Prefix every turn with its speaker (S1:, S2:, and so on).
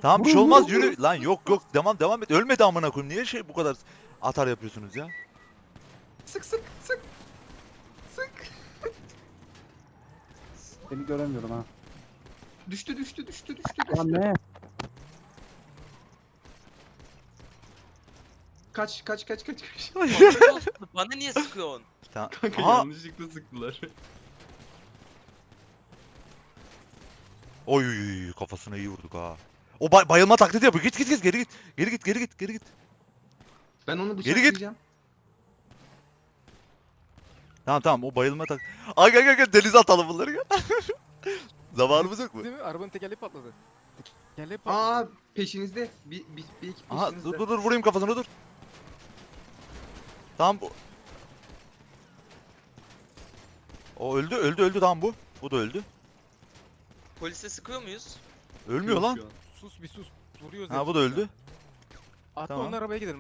S1: Tamam bir şey olmaz yürü. Lan yok yok devam et. Ölmedi amına koyayım. Niye şey bu kadar atar yapıyorsunuz ya?
S2: Sık sık sık. Sık.
S3: Seni göremiyorum ha.
S2: Düştü düştü düştü düştü
S3: Lan
S2: düştü.
S3: ne?
S2: Kaç kaç kaç kaç kaç.
S4: Kontrol olsun. Bana niye sıkıyorsun?
S1: Tamam.
S2: Kanka
S1: Aha.
S2: yanlışlıkla sıktılar.
S1: Oy kafasına iyi vurduk ha. O bayılma taklidi yapıyor. Git geri git. Geri git.
S2: Ben onu
S1: Geri git.
S2: bıçaklayacağım.
S1: Tamam o bayılma tak. Ay gel denize atalım bunları gel. Zamanımız yok mu?
S5: Değil mi? Arabanın tekerleği patladı. Tekerleği patladı.
S2: Aa peşinizde. Bir iki
S1: Aha
S2: peşinizde.
S1: dur vurayım kafasına dur. Tamam bu. O öldü tamam bu. Bu da öldü.
S4: Polise sıkıyor muyuz?
S1: Ölmüyor lan.
S2: Şu an.
S5: Sus bir sus. Vuruyoruz
S1: Ha bu
S5: hepsini
S1: da
S5: ya.
S1: öldü.
S5: Atla
S1: Tamam.
S5: onun arabaya gidelim.